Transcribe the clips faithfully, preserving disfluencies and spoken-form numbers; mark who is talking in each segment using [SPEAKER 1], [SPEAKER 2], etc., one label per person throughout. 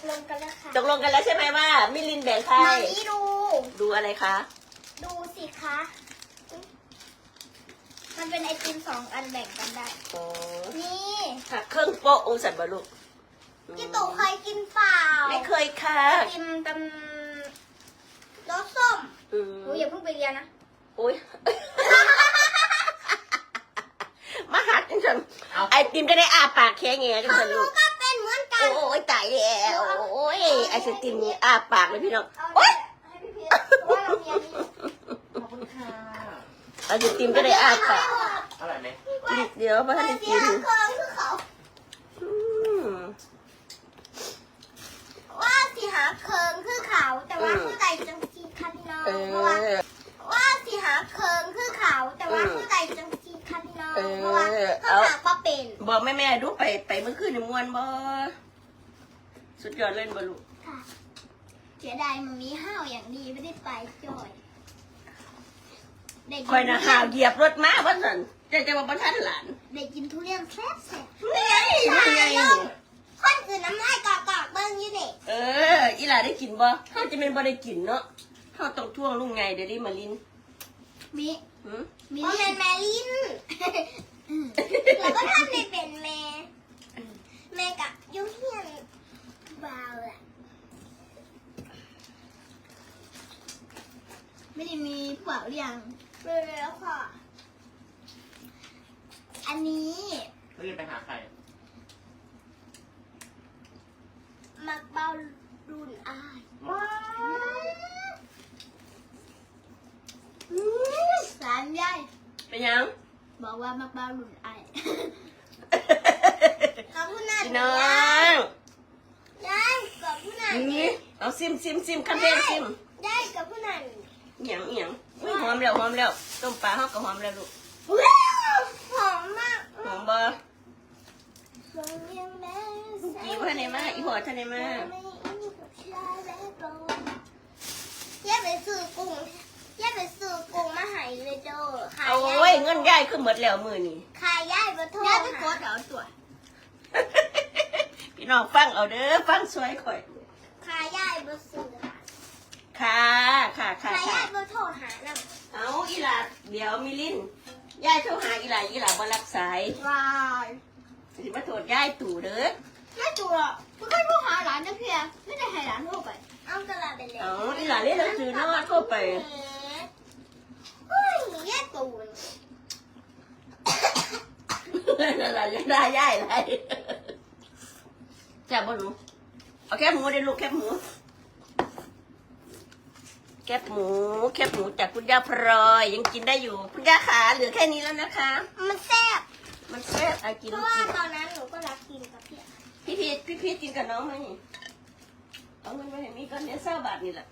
[SPEAKER 1] ลงกันแล้วค่ะ
[SPEAKER 2] ตกลงกันแล้วใช่ไหมว่ามิลินแบ่งใคร
[SPEAKER 1] มานี่ดู
[SPEAKER 2] ดูอะไรคะ
[SPEAKER 1] ดูสิคะมันเป็นไอติมสองอันแบ่งกันได้
[SPEAKER 2] อ๋อ
[SPEAKER 1] นี่
[SPEAKER 2] หักเครื่องโป๊ะองสันบาลูก
[SPEAKER 1] พี่ตู่เคยกินเปล่า
[SPEAKER 2] ไม่เคยค่ะ
[SPEAKER 1] ไอติมตำรสส้ม
[SPEAKER 2] อืม
[SPEAKER 1] หนูอย่าเพิ่งไปเรียนนะ
[SPEAKER 2] โอ้ย มาหักจังสันไอติมจะได้อาปากแค่เงี้ยจัง
[SPEAKER 1] ของ
[SPEAKER 2] สัน
[SPEAKER 1] หนู
[SPEAKER 2] ลูก
[SPEAKER 1] ก็เป็นเหมือนกัน
[SPEAKER 2] โอ้ยตายแล้วโอ้ยไอศติมนี่อาปากเลยพี่น้อง
[SPEAKER 1] เอา
[SPEAKER 2] โอ้ย
[SPEAKER 1] ให้พี่เพชรเพราะว่าเรามีอันนี้
[SPEAKER 3] ขอบคุณค่ะ
[SPEAKER 2] ไอศติมจะได้อาปาก
[SPEAKER 3] อร่อยไหม
[SPEAKER 2] นิดเดียวมา
[SPEAKER 1] มา
[SPEAKER 2] ให้
[SPEAKER 1] เสี
[SPEAKER 2] กิ
[SPEAKER 1] ย
[SPEAKER 2] น
[SPEAKER 1] เครื่องคือเขา
[SPEAKER 2] อืม
[SPEAKER 1] ว่าสิหาเคิงคือเขาแต่ว่าผู้ใดจังสีคันนอง
[SPEAKER 2] เอ
[SPEAKER 1] เพราะว่า
[SPEAKER 2] อ
[SPEAKER 1] ว่าสิหาเคิงคือเขาแต่ว่า
[SPEAKER 2] อืม
[SPEAKER 1] ผู้ใดจังสีคันนอง
[SPEAKER 2] เออ
[SPEAKER 1] เพราะว่าเขาหาก็เป็น
[SPEAKER 2] บอกแม่แม่ๆดูไปไปเมื่อคืนนี่มวนบ่สุดยอดเล่นบ่ลูก
[SPEAKER 1] ค่ะเสียดายมันมีห้าวอย่างดีไม่ได้ไปจ่อยได้กิ
[SPEAKER 2] คอยนะหาวเหยียบรถม้าว่าสันจะจะมาประทันหลาน
[SPEAKER 1] ได้กินทุเรียนแซ่บแซ่บ
[SPEAKER 2] นี่ไงนี่ไง
[SPEAKER 1] คนอื่นน้ำลายกอกๆเบิ้งอยู่นี่
[SPEAKER 2] เออ อีหลาได้กินบ่เขาจะเป็นบ่ได้กินเนาะเขาต้องท่วงลุงไงเดี๋ยวนี้มาลิน
[SPEAKER 1] มี
[SPEAKER 2] หืม
[SPEAKER 1] มีเรียนแมลินแล้วก็ทำในเป็นแม่แม่กับยุ่งเฮียนบาวแหละไม่ได้มีเปล่าหรือยังเลยแล้วค่ะ อันนี้
[SPEAKER 3] เราจะไปหาใคร
[SPEAKER 1] มักเบารุนอายสามยาย
[SPEAKER 2] เป็นยัง
[SPEAKER 1] บอกว่ามักเบารุนอายขอบคุณนะ
[SPEAKER 2] พี่น้อง
[SPEAKER 1] ยายกับผู้นั้น
[SPEAKER 2] นี่เอาซิมซิมซิมคันเทนซิม
[SPEAKER 1] ยายกับผู้นั้น
[SPEAKER 2] เอียงเอียงอุ้ยหอมแล้วหอมแล้วต้มปลาเขาก็หอมแล้วลูก
[SPEAKER 1] ว้าวหอมมาก
[SPEAKER 2] หอมบ่
[SPEAKER 1] หอมยังแม่
[SPEAKER 2] อีพ่อไหนมาอีหัวท่านไหนมา
[SPEAKER 1] ย่าไปซื้อกุ้งย่าไปซื้อกุ้งมาให้เลยเด้อขาย
[SPEAKER 2] โอ้ยเงินย่ายขึ้นหมดแล้วมือนี่
[SPEAKER 1] ขายย่ายมาโทษย่าไปกดเอาตัว
[SPEAKER 2] พี่น้องฟังเอาเด้อฟังสวยข่อย
[SPEAKER 1] ขายย่ายมาซื้อ
[SPEAKER 2] ค่ะค่ะค่ะ
[SPEAKER 1] ขาย
[SPEAKER 2] ค่ะ
[SPEAKER 1] ย่ายมาโทษหาน้
[SPEAKER 2] เอาอีหลาเดี๋ยวมิลินย่ายโทรหาอีหลาอีหลาบ่รับสาย
[SPEAKER 1] ำวาย
[SPEAKER 2] สิมาโทษย่ายตู่เด้อ
[SPEAKER 1] ไม่ตัวหรอกมันก็โทรหาหลานนะเพียไม่ได้ให้หลานโทรไปเอาตลาดไปเลย
[SPEAKER 2] เอาอีหลาเล่นหนังสือเนาะก็ไป
[SPEAKER 1] เฮ้ยแย่ตูน
[SPEAKER 2] นั่นแหละยังได้ย่ายไรจับบ่หนูเอาแคบหมูได้ลูกแคบหมูแคบหมูแคบหมูจากคุณย่าพลอยยังกินได้อยู่คุณย่าขาเหลือแค่นี้แล้วนะคะ
[SPEAKER 1] มันแซ่บ
[SPEAKER 2] มันแซ่บอะกิน
[SPEAKER 1] เพราะว่า
[SPEAKER 2] กิน
[SPEAKER 1] ตอนนั้นหนูก็รักกินกับพี่
[SPEAKER 2] พี่พีชพี่พีชกินกับน้องไหมเอาเงินมาให้มีก็เหลือเศร้าบาทนี่แหละ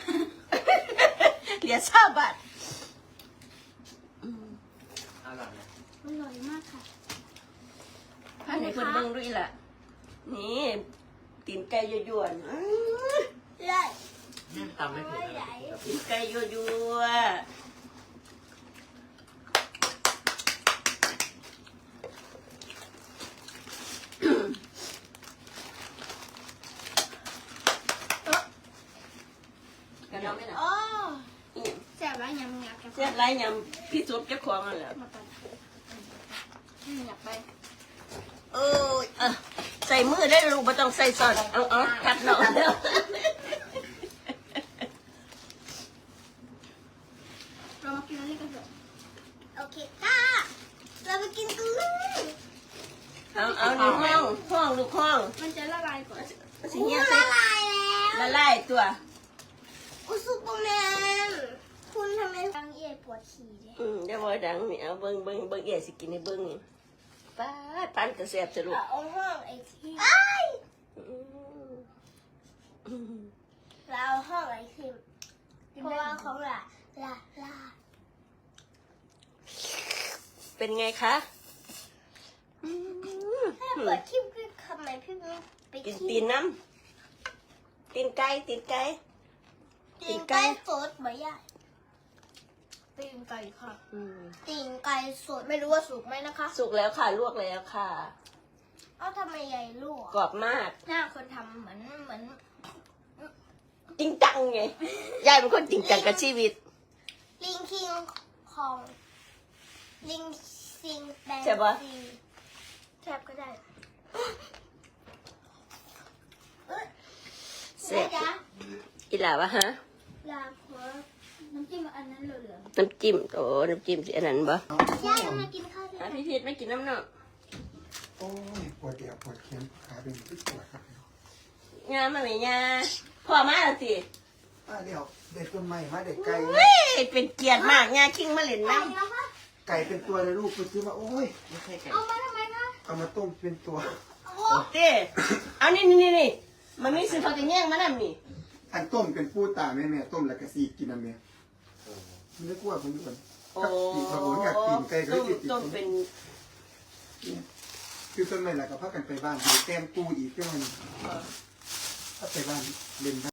[SPEAKER 2] เหลือเศร้าบาทอืม
[SPEAKER 3] อร่อยไหม
[SPEAKER 1] อร่อยมากค่ะ
[SPEAKER 2] พันให้เพิ่นเบิ่งด้วยล่ะ นี่ตีนไก่ยั่วๆอื้อ
[SPEAKER 1] เลย
[SPEAKER 3] แม่ตำไม่เผ็ดเลย
[SPEAKER 2] ตีนไก่ยั่วๆกันน้องไหมล่ะ
[SPEAKER 1] อ๋อ
[SPEAKER 2] อิหยัง
[SPEAKER 1] แซ่บแล้วยังอยากจะ
[SPEAKER 2] เสียดไรยำพี่สุดเจ้าของนั่นแหละ
[SPEAKER 1] มาไปอยากไป
[SPEAKER 2] เออเออใส่มือได้ลูกไม่ต้องใส่ซอสเอาเอาคัดหน่อยเด้อ
[SPEAKER 1] เรามากินอันนี้กันเถอะโอเคค่ะเราไปกินกันเลย
[SPEAKER 2] เอาเอาในห้องห้องลูกห้อง
[SPEAKER 1] มันจะละลายก่อน
[SPEAKER 2] สิเงี้ยใส่
[SPEAKER 1] ละลายแล้ว
[SPEAKER 2] ละลายตัว
[SPEAKER 1] อุยซูเปอร์แมนคุณทำไมฟังเย่ปวดฉี่เลย
[SPEAKER 2] อืมเดี๋ยวบ่ดังนี่เอาเบิ่งเบิ่งเบิ่งเอ๋สิกินในเบิ่งนี่ป้าดปันกระแสบสรุป
[SPEAKER 1] เอาห้องไอทีไอ้าย
[SPEAKER 2] อืม
[SPEAKER 1] เราเอาห้องไอทีเพราะว่าของละลาลา
[SPEAKER 2] เป็นไงคะอืม
[SPEAKER 1] ถ้าเปิดที่พี่ทำไมพี่ไม่ไป
[SPEAKER 2] กิน
[SPEAKER 1] ขี้
[SPEAKER 2] ตีนน้ำตีนไก่ตีนไก่
[SPEAKER 1] ตีนไก่สดไหมย่าตีนไก่ค่ะ
[SPEAKER 2] อืม
[SPEAKER 1] ตีนไก่สดไม่รู้ว่าสุกไหมนะคะ
[SPEAKER 2] สุกแล้วค่ะลวกแล้วค่ะ
[SPEAKER 1] อเอาทำไมใหญ่ลูก
[SPEAKER 2] กรอบมาก
[SPEAKER 1] หน้าคนทำเหมือนเหมือน
[SPEAKER 2] จริงจังไงยายเป็นคนจริงจังกับชีวิต
[SPEAKER 1] ลิงคิงของลิงซิงแบน
[SPEAKER 2] ใช่ปะ
[SPEAKER 1] ซีแทบก็ได้
[SPEAKER 2] เสร็จ
[SPEAKER 1] จ๊ะ
[SPEAKER 2] อีหล่าวะฮะ
[SPEAKER 1] ลาโคน้ำจิ้มอันนั้นเหลือง
[SPEAKER 2] น้ำจิ้มโอ้น้ำจิ้มสิอันนั้นบ่
[SPEAKER 1] ๆย่ามากินข้าวด้วย
[SPEAKER 2] อ่ะ
[SPEAKER 1] กัน
[SPEAKER 2] พี่พีทไม่กินน้ำเนาะ
[SPEAKER 4] โอ้ยปวดเดี่ยวปวดเข็มขาเป็นที่ปวดครับ
[SPEAKER 2] งานมาไหมยาพ่อมาแล้วสิ
[SPEAKER 4] มาเดี๋ยวเด็กต้นไม้มาเด็กไก่
[SPEAKER 2] เฮ้ยเป็นเกียรติมากยาคิงมาเล่น
[SPEAKER 1] ไก่
[SPEAKER 2] น้ำ
[SPEAKER 1] แล้วคะ
[SPEAKER 4] ไก่เป็นตัวเลยลูกไปซื้อมาโอ้ย
[SPEAKER 3] ไม่ใช่ไก่
[SPEAKER 1] เอามาทำไมคะ
[SPEAKER 4] เอามาต้มเป็นตัว
[SPEAKER 1] โอ้โห
[SPEAKER 2] เต้เอานี่นี่นี่นี่มันมีซื้อเขาจะแย่งมานั่นนี่
[SPEAKER 4] อันต้มเป็นปูตาแม่แม่ต้มแล้วก็สีกินอันเนี้ยมันไม่กลัวผมด้วย
[SPEAKER 2] โอ้
[SPEAKER 4] กับตีนเขาบอกอยากกินไก่ก็
[SPEAKER 2] ต้
[SPEAKER 4] เลย
[SPEAKER 2] ม
[SPEAKER 4] ติด
[SPEAKER 2] ต้มเป็น
[SPEAKER 4] คือต้นไม้แล้วก็พักกันไปบ้านไปแต้มปูอีกเรื่องนึงถ้าไปบ้านเล่น